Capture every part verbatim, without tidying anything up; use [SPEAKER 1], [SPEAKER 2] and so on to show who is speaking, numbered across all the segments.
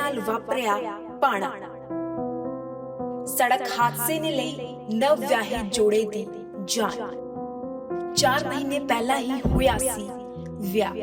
[SPEAKER 1] नाल वापरिया भाणा। सड़क हादसे ने लई नव व्याही जोड़े दी जान। चार महीने पहला ही होया सी विआह।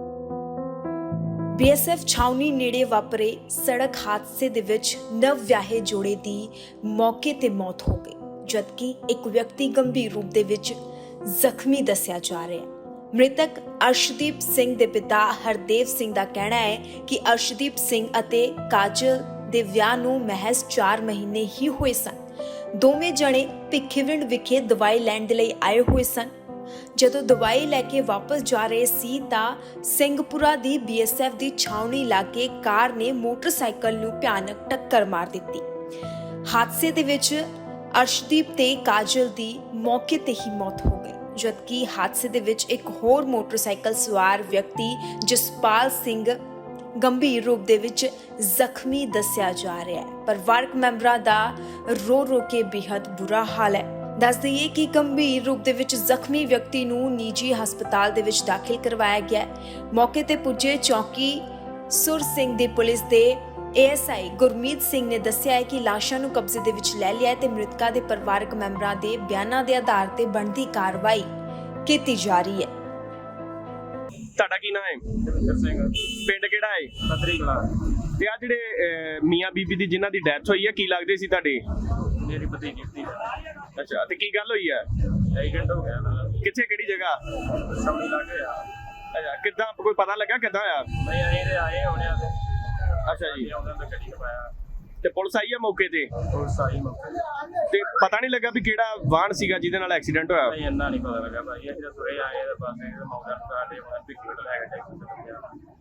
[SPEAKER 1] बीएसएफ छावनी नेड़े वापरे सड़क हादसे दे विच नव व्याहे जोड़े दी मौके ते मौत हो गई, जबकि एक व्यक्ति गंभीर रूप दे विच ਜ਼ਖਮੀ ਦੱਸਿਆ ਜਾ ਰਿਹਾ ਹੈ। ਮ੍ਰਿਤਕ ਅਰਸ਼ਦੀਪ ਸਿੰਘ ਦੇ ਪਿਤਾ ਹਰਦੇਵ ਸਿੰਘ ਦਾ ਕਹਿਣਾ ਹੈ ਕਿ ਅਰਸ਼ਦੀਪ ਸਿੰਘ ਅਤੇ ਕਾਜਲ ਦੇ ਵਿਆਹ ਨੂੰ ਮਹਿਜ਼ ਚਾਰ ਮਹੀਨੇ ਹੀ ਹੋਏ ਸਨ। ਦੋਵੇਂ ਜਣੇ ਭਿੱਖੀਵਿੰਡ ਵਿਖੇ ਦਵਾਈ ਲੈਣ ਦੇ ਲਈ ਆਏ ਹੋਏ ਸਨ। ਜਦੋਂ ਦਵਾਈ ਲੈ ਕੇ ਵਾਪਸ ਜਾ ਰਹੇ ਸੀ ਤਾਂ ਸਿੰਘਪੁਰਾ ਦੀ ਬੀਐਸਐਫ ਦੀ ਛਾਉਣੀ ਲਾਗੇ ਕਾਰ ਨੇ ਮੋਟਰਸਾਈਕਲ ਨੂੰ ਭਿਆਨਕ ਟੱਕਰ ਮਾਰ ਦਿੱਤੀ। ਹਾਦਸੇ ਦੇ ਵਿੱਚ ਅਰਸ਼ਦੀਪ ਤੇ ਕਾਜਲ ਦੀ ਮੌਕੇ ਤੇ ਹੀ ਮੌਤ ਹੋ ਗਈ, ਜਦਕਿ ਹਾਦਸੇ ਦੇ ਵਿੱਚ ਇੱਕ ਹੋਰ ਮੋਟਰਸਾਈਕਲ ਸਵਾਰ ਵਿਅਕਤੀ ਜਸਪਾਲ ਸਿੰਘ ਗੰਭੀਰ ਰੂਪ ਦੇ ਵਿੱਚ ਜ਼ਖਮੀ ਦੱਸਿਆ ਜਾ ਰਿਹਾ ਹੈ। ਪਰਿਵਾਰਕ ਮੈਂਬਰਾਂ ਦਾ ਰੋ ਰੋ ਕੇ ਬੇहद ਬੁਰਾ ਹਾਲ ਹੈ। ਦੱਸ ਦਈਏ ਕਿ ਗੰਭੀਰ ਰੂਪ ਦੇ ਵਿੱਚ ਜ਼ਖਮੀ ਵਿਅਕਤੀ ਨੂੰ ਨਿੱਜੀ ਹਸਪਤਾਲ ਦੇ ਵਿੱਚ ਦਾਖਲ ਕਰਵਾਇਆ ਗਿਆ ਹੈ। ਮੌਕੇ ਤੇ ਪੁੱਜੇ ਚੌਕੀ ਸੁਰ ਸਿੰਘ ਦੀ ਪੁਲਿਸ ਦੇ ਏਐਸਆਈ ਗੁਰਮੀਤ ਸਿੰਘ ਨੇ ਦੱਸਿਆ ਹੈ ਕਿ ਲਾਸ਼ਾਂ ਨੂੰ ਕਬਜ਼ੇ ਦੇ ਵਿੱਚ ਲੈ ਲਿਆ ਹੈ ਤੇ ਮ੍ਰਿਤਕਾਂ ਦੇ ਪਰਿਵਾਰਕ ਮੈਂਬਰਾਂ ਦੇ ਬਿਆਨਾਂ ਦੇ ਆਧਾਰ ਤੇ ਬਣਦੀ ਕਾਰਵਾਈ ਕੀਤੀ ਜਾ ਰਹੀ ਹੈ।
[SPEAKER 2] ਤੁਹਾਡਾ ਕੀ ਨਾਮ ਹੈ?
[SPEAKER 3] ਜਗਿੰਦਰ ਸਿੰਘ।
[SPEAKER 2] ਪਿੰਡ ਕਿਹੜਾ ਹੈ?
[SPEAKER 3] ਪੱਧਰੀ ਕਲਾਂ।
[SPEAKER 2] ਤੇ ਆ ਜਿਹੜੇ ਮੀਆਂ ਬੀਬੀ ਦੀ ਜਿਨ੍ਹਾਂ ਦੀ ਡੈਥ ਹੋਈ ਹੈ, ਕੀ ਲੱਗਦੇ ਸੀ ਤੁਹਾਡੇ?
[SPEAKER 3] ਮੇਰੀ ਭਤੀਜੀ ਸੀ।
[SPEAKER 2] ਅੱਛਾ, ਤੇ ਕੀ ਗੱਲ ਹੋਈ ਹੈ?
[SPEAKER 3] ਐਕਸੀਡੈਂਟ ਹੋ ਗਿਆ ਨਾ।
[SPEAKER 2] ਕਿੱਥੇ, ਕਿਹੜੀ ਜਗ੍ਹਾ?
[SPEAKER 3] ਸਮਝ ਲੱਗ ਗਿਆ।
[SPEAKER 2] ਅੱਛਾ, ਕਿੱਦਾਂ, ਕੋਈ ਪਤਾ ਲੱਗਾ ਕਿੱਦਾਂ ਹੋਇਆ?
[SPEAKER 3] ਨਹੀਂ ਆਏ ਤੇ ਆਏ ਹੋਣੇ ਆ ਤੇ
[SPEAKER 2] ਅੱਛਾ ਜੀ,
[SPEAKER 3] ਉਹਨਾਂ ਦਾ ਗੱਡੀ ਲਵਾਇਆ
[SPEAKER 2] ਤੇ ਪੁਲਿਸ ਆਈ ਹੈ ਮੌਕੇ ਤੇ?
[SPEAKER 3] ਹੋਰ ਸਾਰੀ ਮੌਕੇ
[SPEAKER 2] ਤੇ ਪਤਾ ਨਹੀਂ ਲੱਗਾ ਵੀ ਕਿਹੜਾ ਵਾਹਨ ਸੀਗਾ ਜਿਹਦੇ ਨਾਲ ਐਕਸੀਡੈਂਟ ਹੋਇਆ?
[SPEAKER 3] ਨਹੀਂ ਇੰਨਾ ਨਹੀਂ ਪਤਾ ਲੱਗਾ ਭਾਈ। ਅਸੀਂ ਤਾਂ ਤੁਰੇ ਆਏ ਤੇ ਬਸ ਇਹ ਮੌਕਾ ਸਾਡੇ ਮਨ ਵੀ ਕਿਹੜਾ ਲੈ ਕੇ ਟੈਕਸੀ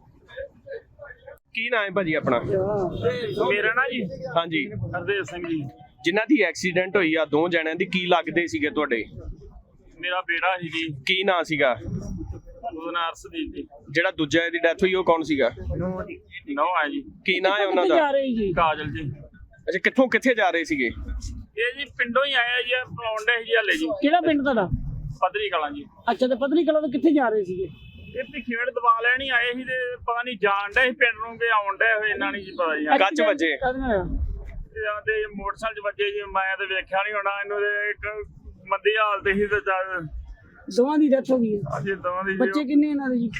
[SPEAKER 2] ਕੀ ਨਾਮ ਹੈ ਭਾਜੀ ਆਪਣਾ?
[SPEAKER 3] ਮੇਰਾ ਨਾ ਜੀ
[SPEAKER 2] ਹਾਂਜੀ,
[SPEAKER 3] ਹਰਦੇਵ ਸਿੰਘ ਜੀ।
[SPEAKER 2] ਜਿਨ੍ਹਾਂ ਦੀ ਐਕਸੀਡੈਂਟ ਹੋਈ ਆ ਦੋ ਜਣਿਆਂ ਦੀ, ਕੀ ਲੱਗਦੇ ਸੀਗੇ ਤੁਹਾਡੇ?
[SPEAKER 3] ਮੇਰਾ ਬੇੜਾ ਸੀ ਜੀ।
[SPEAKER 2] ਕੀ ਨਾਂ ਸੀਗਾ?
[SPEAKER 3] ਉਹਦਾ ਨਾਮ ਅਰਸ਼ਦੀਪ ਜੀ।
[SPEAKER 2] ਜਿਹੜਾ ਦੂਜਾ ਦੀ ਡੈਥ ਹੋਈ ਉਹ ਕੌਣ ਸੀਗਾ?
[SPEAKER 3] ਨੋ ਆ ਜੀ।
[SPEAKER 2] ਕੀ ਨਾਂ ਹੈ ਉਹਨਾਂ ਦਾ?
[SPEAKER 3] ਕਾਜਲ ਜੀ।
[SPEAKER 2] ਅੱਛਾ, ਕਿੱਥੋਂ ਕਿੱਥੇ ਜਾ ਰਹੇ ਸੀਗੇ?
[SPEAKER 3] ਇਹ ਜੀ ਪਿੰਡੋਂ ਹੀ ਆਇਆ ਜੀ, ਪਲੌਂਡੇ ਜੀ ਹਲੇ ਜੀ।
[SPEAKER 4] ਕਿਹੜਾ ਪਿੰਡ ਤੁਹਾਡਾ?
[SPEAKER 3] ਪੱਧਰੀ ਕਲਾਂ ਜੀ।
[SPEAKER 4] ਅੱਛਾ, ਤੇ ਪੱਧਰੀ ਕਲਾਂ ਤੋਂ ਕਿੱਥੇ ਜਾ ਰਹੇ ਸੀਗੇ?
[SPEAKER 3] ਇਹ ਭਿੱਖੀਵਿੰਡ ਦਵਾ ਲੈਣ ਹੀ ਆਏ ਸੀ ਤੇ ਪਤਾ ਨਹੀਂ ਜਾਣ ਡੇ ਸੀ ਪਿੰਡ ਨੂੰ ਕਿ ਆਉਣ ਡੇ ਹੋਏ, ਇਹਨਾਂ ਨਹੀਂ ਜੀ ਪਤਾ ਜੀ।
[SPEAKER 2] ਕੱਚ ਵੱਜੇ?
[SPEAKER 3] ਤੇ ਆਂਦੇ ਮੋਟਰਸਾਈਕਲ 'ਚ ਵੱਜੇ ਜੀ। ਮੈਂ ਤੇ ਵੇਖਿਆ ਨਹੀਂ ਹੋਣਾ ਇਹਨੂੰ, ਤੇ ਇੱਕ ਮੰਦੀ ਹਾਲਤ ਸੀ ਤੇ
[SPEAKER 4] ਦੋਵਾਂ ਦੀ ਡੈਥ ਹੋ ਗਈ ਹੈ।
[SPEAKER 3] ਅਸੀਂ ਦੋਵਾਂ ਦੀ।
[SPEAKER 4] ਬੱਚੇ ਕਿੰਨੇ ਇਹਨਾਂ ਦੇ ਜੀ?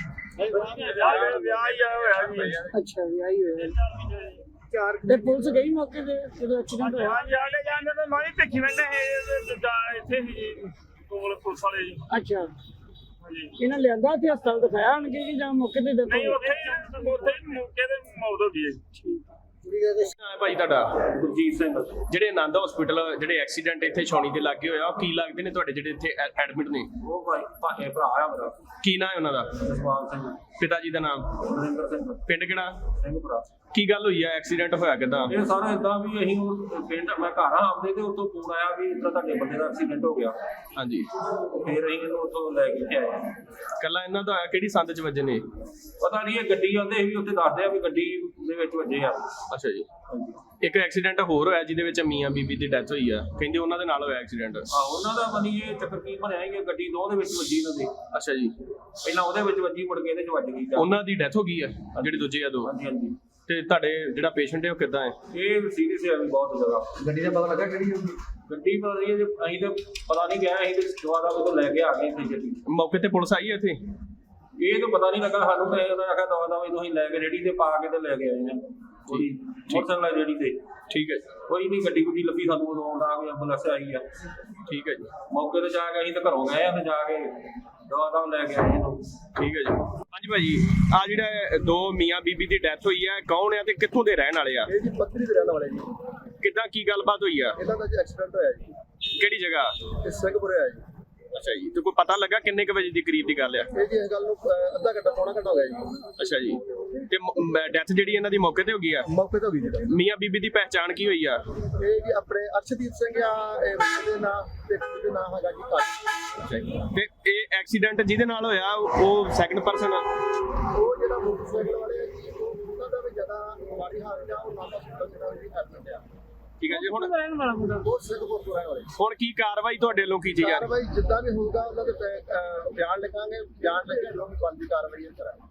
[SPEAKER 3] ਵਿਆਹ ਹੀ ਆ ਹੋਇਆ ਜੀ।
[SPEAKER 4] ਅੱਛਾ, ਵਿਆਹ ਹੀ ਹੋਇਆ। ਚਾਰ ਤੇ ਪੁਲਿਸ ਗਈ ਮੌਕੇ ਤੇ ਜਦੋਂ ਐਕਸੀਡੈਂਟ ਹੋਇਆ?
[SPEAKER 3] ਹਾਂ, ਜਾਂਦੇ ਜਾਂਦੇ ਤਾਂ ਮੈਂ ਵੀ ਭਿੱਖੀਵਿੰਡ ਇੱਥੇ ਸੀ ਜੀ ਕੋਲ ਪੁਲਿਸ ਵਾਲੇ ਜੀ।
[SPEAKER 4] ਅੱਛਾ,
[SPEAKER 3] ਹਾਂਜੀ।
[SPEAKER 4] ਇਹਨਾਂ ਲਿਆਂਦਾ ਤੇ ਹਸਪਤਾਲ ਦਿਖਾਇਆ ਆਣਗੇ ਕਿ ਜਾਂ ਮੌਕੇ ਤੇ death
[SPEAKER 3] ਨਹੀਂ,
[SPEAKER 4] ਹੋ
[SPEAKER 3] ਉੱਥੇ ਹੀ ਉੱਥੇ ਹੀ ਮੌਕੇ ਤੇ ਮੌਤ ਹੋ ਗਈ ਹੈ ਜੀ।
[SPEAKER 2] ਭਾਈ ਤੁਹਾਡਾ?
[SPEAKER 3] ਗੁਰਜੀਤ ਸਿੰਘ।
[SPEAKER 2] ਜਿਹੜੇ ਆਨੰਦ ਹਸਪੀਟਲ ਜਿਹੜੇ ਐਕਸੀਡੈਂਟ ਇੱਥੇ ਛਾਉਣੀ ਦੇ ਲਾਗੇ ਹੋਇਆ, ਉਹ ਕੀ ਲੱਗਦੇ ਨੇ ਤੁਹਾਡੇ ਜਿਹੜੇ ਇੱਥੇ ਐਡਮਿਟ ਨੇ?
[SPEAKER 3] ਉਹ ਭਾਈ ਭਾਏ ਭਰਾ ਆ ਮੇਰਾ।
[SPEAKER 2] ਕੀ ਨਾਂ ਹੈ ਉਹਨਾਂ ਦਾ?
[SPEAKER 3] ਜਸਪਾਲ ਸਿੰਘ।
[SPEAKER 2] ਪਿਤਾ ਜੀ ਦਾ ਨਾਮ?
[SPEAKER 3] ਨਰਿੰਦਰ ਸਿੰਘ।
[SPEAKER 2] ਪਿੰਡ ਕਿਹੜਾ?
[SPEAKER 3] ਸਿੰਘਪੁਰਾ।
[SPEAKER 2] ਕੀ ਗੱਲ ਹੋਈ ਹੈ, ਐਕਸੀਡੈਂਟ ਹੋਇਆ ਕਿੱਦਾਂ?
[SPEAKER 3] ਇਹ ਸਾਰਾ ਇਦਾਂ ਵੀ ਅਸੀਂ ਉਹ ਪਿੰਡ ਮੈਂ ਘਰ ਆ ਆਪਦੇ ਤੇ ਉੱਥੋਂ ਫੋਨ ਆਇਆ ਵੀ ਇਦਾਂ ਤੁਹਾਡੇ ਬੰਦੇ ਦਾ ਐਕਸੀਡੈਂਟ ਹੋ ਗਿਆ।
[SPEAKER 2] ਹਾਂਜੀ,
[SPEAKER 3] ਫਿਰ ਅਸੀਂ ਇਹਨੂੰ ਉੱਥੋਂ ਲੈ ਕੇ ਆਏ।
[SPEAKER 2] ਕੱਲਾ ਇਹਨਾਂ ਦਾ ਹੋਇਆ? ਕਿਹੜੀ ਸੰਦ ਚ ਵੱਜੇ ਨੇ?
[SPEAKER 3] ਪਤਾ ਨਹੀਂ, ਇਹ ਗੱਡੀ ਆਉਂਦੇ ਵੀ ਉੱਥੇ ਦੱਸਦੇ ਆ ਵੀ ਗੱਡੀ ਦੇ ਵਿੱਚ ਵੱਜੇ ਆ।
[SPEAKER 2] ਅੱਛਾ ਜੀ। ਇੱਕ ਐਕਸੀਡੈਂਟ ਹੋਰ ਹੋਇਆ ਜਿਹਦੇ ਵਿੱਚ ਮੀਆਂ ਬੀਬੀ ਦੀ ਡੈਥ ਹੋਈ ਆ, ਕਹਿੰਦੇ ਉਹਨਾਂ ਦੇ ਨਾਲ ਹੋਇਆ ਐਕਸੀਡੈਂਟ।
[SPEAKER 3] ਆ ਉਹਨਾਂ ਦਾ ਮਨੀ ਇਹ ਚੱਕਰ ਕੀ ਬਣਿਆ ਕਿ ਗੱਡੀ ਦੋ ਦੇ ਵਿੱਚ ਵੱਜੀ ਇਹਨਾਂ ਦੇ।
[SPEAKER 2] ਅੱਛਾ ਜੀ।
[SPEAKER 3] ਪਹਿਲਾਂ ਉਹਦੇ ਵਿੱਚ ਵੱਜੀ, ਮੁੜ ਕੇ ਇਹਦੇ ਚ ਵੱਜ ਗਈ।
[SPEAKER 2] ਉਹਨਾਂ ਦੀ ਡੈਥ ਹੋ ਗਈ ਆ ਜਿਹੜੇ ਦੂਜੇ ਆ ਦੋ?
[SPEAKER 3] ਹਾਂਜੀ ਹਾਂਜੀ।
[SPEAKER 2] ਤੇ ਤੁਹਾਡੇ ਜਿਹੜਾ ਪੇਸ਼ੈਂਟ ਹੈ ਉਹ ਕਿੱਦਾਂ ਹੈ?
[SPEAKER 3] ਇਹ ਸੀਰੀਅਸ ਹੈ ਵੀ ਬਹੁਤ ਜ਼ਿਆਦਾ। ਗੱਡੀ ਦਾ ਪਤਾ ਲੱਗਾ ਕਿਹੜੀ ਹੋਊਗੀ? ਗੱਡੀ ਪਤਾ ਨਹੀਂ, ਅਸੀਂ ਤਾਂ ਪਤਾ ਨਹੀਂ ਗਿਆ। ਅਸੀਂ ਤੇ ਦੁਆਰਾ ਉਹ ਤੋਂ ਲੈ ਕੇ ਆ ਗਏ ਇੱਥੇ ਗੱਡੀ।
[SPEAKER 2] ਮੌਕੇ ਤੇ ਪੁਲਿਸ ਆਈ ਹੈ ਇੱਥੇ?
[SPEAKER 3] ਇਹ ਤਾਂ ਪਤਾ ਨਹੀਂ ਲੱਗਾ ਸਾਨੂੰ। ਤੇ ਉਹਨਾਂ ਨੇ ਆਖਿਆ ਦਵਾ ਦਵਾ ਤੁਸੀਂ ਲੈ ਕੇ ਰੇੜੀ ਤੇ ਪਾ ਕੇ ਤੇ ਲੈ ਕੇ ਆਏ ਨੇ ਉਹਦੀ ਮੋਟਰਸਾਈਕਲ ਰੇੜੀ ਤੇ।
[SPEAKER 2] ਠੀਕ ਹੈ ਜੀ।
[SPEAKER 3] ਕੋਈ ਨਹੀਂ, ਗੱਡੀ ਗੁੱਡੀ ਲੱਭੀ ਸਾਨੂੰ ਉਦੋਂ ਆਉਂਦਾ ਕੋਈ ਐਂਬੂਲੈਂਸ ਆਈ ਆ।
[SPEAKER 2] ਠੀਕ ਹੈ ਜੀ।
[SPEAKER 3] ਮੌਕੇ ਤੇ ਜਾ ਕੇ ਅਸੀਂ ਤਾਂ ਘਰੋਂ ਗਏ ਆ ਤੇ ਜਾ ਕੇ ਦਵਾ ਦਵਾ ਲੈ ਕੇ ਆਏ ਇਹਨੂੰ।
[SPEAKER 2] ਠੀਕ ਹੈ ਜੀ। ਹਾਂਜੀ ਭਾਜੀ, ਆ ਜਿਹੜਾ ਦੋ ਮੀਆਂ ਬੀਬੀ ਦੀ ਡੈਥ ਹੋਈ ਹੈ, ਕੌਣ ਆ ਤੇ ਕਿੱਥੋਂ ਦੇ ਰਹਿਣ ਵਾਲੇ ਆ?
[SPEAKER 5] ਇਹ ਜੀ ਪੱਧਰੀ ਦੇ ਰਹਿਣ ਵਾਲੇ ਜੀ।
[SPEAKER 2] ਕਿੱਦਾਂ, ਕੀ ਗੱਲਬਾਤ ਹੋਈ ਆ?
[SPEAKER 5] ਇਹਨਾਂ ਦਾ ਜੀ ਐਕਸੀਡੈਂਟ ਹੋਇਆ ਜੀ।
[SPEAKER 2] ਕਿਹੜੀ ਜਗ੍ਹਾ?
[SPEAKER 5] ਇਹ ਸਿੰਘਪੁਰੇ ਹੋਇਆ ਜੀ।
[SPEAKER 2] ਅੱਛਾ ਜੀ। ਤੇ ਕੋਈ ਪਤਾ ਲੱਗਾ ਕਿੰਨੇ ਕੁ ਵਜੇ ਦੀ ਕਰੀਬ ਦੀ ਗੱਲ ਆ?
[SPEAKER 5] ਇਹ ਜੀ ਇਸ ਗੱਲ ਨੂੰ ਅਹ, ਅੱਧਾ ਘੰਟਾ ਪੌਣਾ ਘੰਟਾ ਹੋ ਗਿਆ ਜੀ।
[SPEAKER 2] ਅੱਛਾ ਜੀ। ਤੇ ਡੈਥ ਜਿਹੜੀ ਇਹਨਾਂ ਦੀ ਮੌਕੇ ਤੇ ਹੋ ਗਈ ਆ?
[SPEAKER 5] ਮੌਕੇ ਤੇ ਹੋ ਗਈ ਜੀ।
[SPEAKER 2] ਮੀਆਂ ਬੀਬੀ ਦੀ ਪਹਿਚਾਣ ਕੀ ਹੋਈ ਆ?
[SPEAKER 5] ਇਹ ਜੀ ਆਪਣੇ ਅਰਸ਼ਦੀਪ ਸਿੰਘ ਆ, ਇਹ ਮੁੰਡੇ ਦੇ ਨਾਂ ਤੇ ਕੁੜੀ ਦੇ ਨਾਂ ਹੈਗਾ ਜੀ ਕਾਜਲ।
[SPEAKER 2] ਅੱਛਾ ਜੀ। ਤੇ ਇਹ ਐਕਸੀਡੈਂਟ ਜਿਹਦੇ ਨਾਲ ਹੋਇਆ ਉਹ ਸੈਕੰਡ ਪਰਸਨ?
[SPEAKER 5] ਉਹ ਜਿਹੜਾ ਮੋਟਰਸਾਈਕਲ ਵਾਲੇ ਆ ਜੀ, ਉਹ ਉਹਨਾਂ ਦਾ ਵੀ ਜ਼ਿਆਦਾ ਮਾੜੀ ਹਾਲਤ ਆ। ਉਹ ਨਾਮ ਦਾ ਜਿਹੜਾ ਜੀ ਐਡਮਿਟ ਆ।
[SPEAKER 2] ਠੀਕ ਹੈ ਜੀ। ਹੁਣ
[SPEAKER 4] ਰਹਿਣ ਵਾਲਾ ਮੁੰਡਾ
[SPEAKER 5] ਉਹ ਸਿੰਘਪੁਰ ਤੋਂ ਰਹਿਣ ਵਾਲੇ।
[SPEAKER 2] ਹੁਣ ਕੀ ਕਾਰਵਾਈ ਤੁਹਾਡੇ ਵੱਲੋਂ ਕੀਤੀ ਜਾ ਰਹੀ?
[SPEAKER 5] ਕਾਰਵਾਈ ਜਿੱਦਾਂ ਵੀ ਹੋਊਗਾ ਉਹਨਾਂ ਦੇ ਅਹ, ਬਿਆਨ ਲਿਖਾਂਗੇ। ਬਿਆਨ ਲਿਖ ਕੇ ਜੋ ਵੀ ਬਣਦੀ ਕਾਰਵਾਈ ਕਰਾਂਗੇ।